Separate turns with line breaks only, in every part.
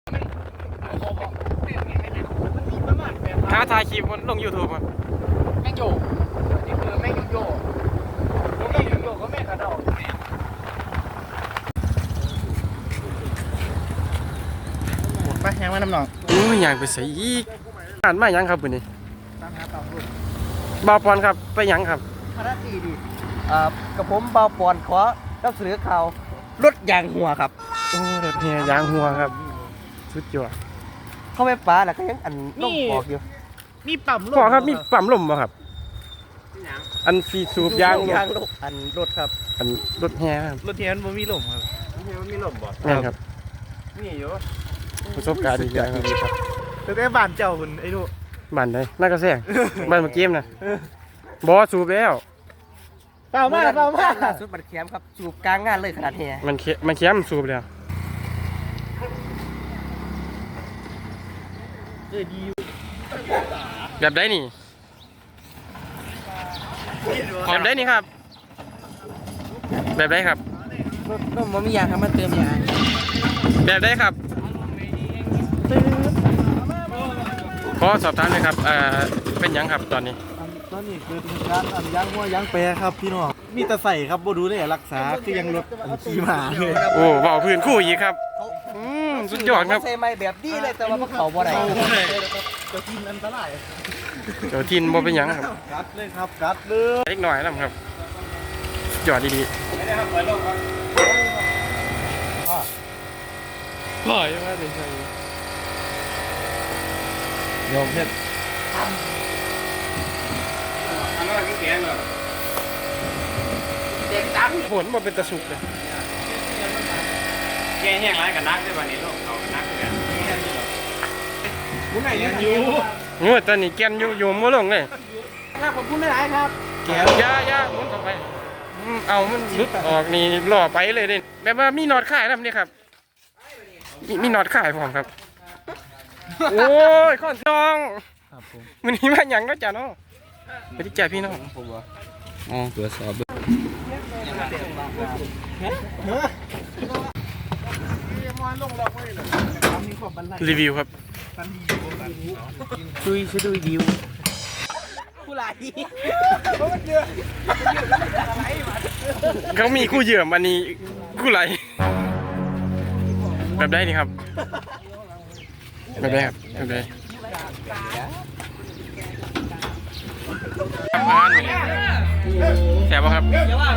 ท้าทายคลิปมันลง YouTube มัน
แม่งโยนี่คือแม่งโยแม่งโยก็แม่งกระโดดไปยังมาน้ำหนอง
อยากไปใส่อีกอ่านมายังครับวันนี้บาวปอนครับไปยังครับ
ภารกิจดีกับผมเบาปอนขอรับเสนอข่าวรถยางหัวครับ
โอ้รถเฮียยางหัวครับสุดยอด
เข้าไปป่าแล้วก็ยังอันลมออกอยู่มีปั๊มลม
พ่อครับมีปั๊มลมป่ะครับอันฟีสูบยาง
ลมอันรถครับ
อันรถเฮียครับ
รถเฮียมันมีลมครับมันมีลมบ่
นี่ครับ
มีอยู่
ประสบการณ์ดีครับ
แต่ได้บ้านเจ้าคุณไอ้ดู
บ้านไหนน่ากระแซงบ้านเมื่อกี้นะบอสูบแล้ว
เปล่ามากสุดบัดแคมครับสูบกลางงานเลยขนาดเฮีย
มันเข้มสูบแล้วแบบได้นี่แบบได้นี่ครับแบบได้ครับ
รถมันมียางครับมันเติมยาง
แบบได้ครับขอสอบถามเลยครับเป็นยังครับตอนนี้
คือการยางหัวยางแปรครับพี่น้องมีแต่ใส่ครับบ่ดูได้รักษาคือยังรถขี่มาเลย
โอ้เบาพื้นคู่อีกครับสุดยอดครับ
ใส่ไม้แบบดีเลยแต่ว่าเขาบ่ได้เจ้าทินอันตราย
เจ้าทินบ่เป็นยังครับ
กัดเลยครับกัดเลย
เล็กหน่อยนะครับยอดดีๆไม่ได้ครับเปิดโลกครับพ่อยังไม่ได้ใช่ยอมเพชรอันนั้นก็แก่เลยเด็กจังฝนมันเป็นตะสุกเลยแก่แห้งไรกับนักได้ป่ะนี่ลูกเขากับนักกันผู้ไหนเนี่ยอยู่โอ้ตอนนี้แกนอยู่มั่วลงเลย
ครับผมพูดไม่ได้ครับ
แกนยาหมุนต่อไปเอามันลุดออกนี่หล่อไปเลยดิแบบว่ามีนอดข่ายนะนี่ครับมีนอดข่ายผมครับโอ้ยข้อนน้องวันนี้มาอย่างก็จ่าน้องไปที่จ่าพี่น้องผมว่าอ๋อตรวจสอบรีวิวครับ
ช่วยรีวิวผู้ไหล
เขามีคู่เหยื่อมันนี้คู่ไหลแบบได้นี่ครับแบบได้ครับแบบได้แซ่บป่ะครับ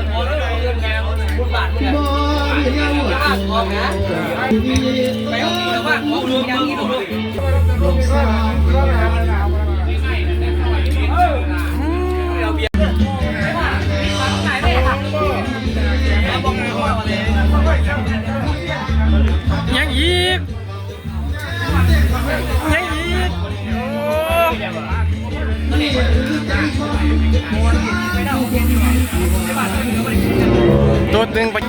ยังอีกตัวตึงไป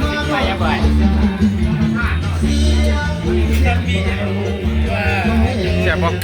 เสียบปะ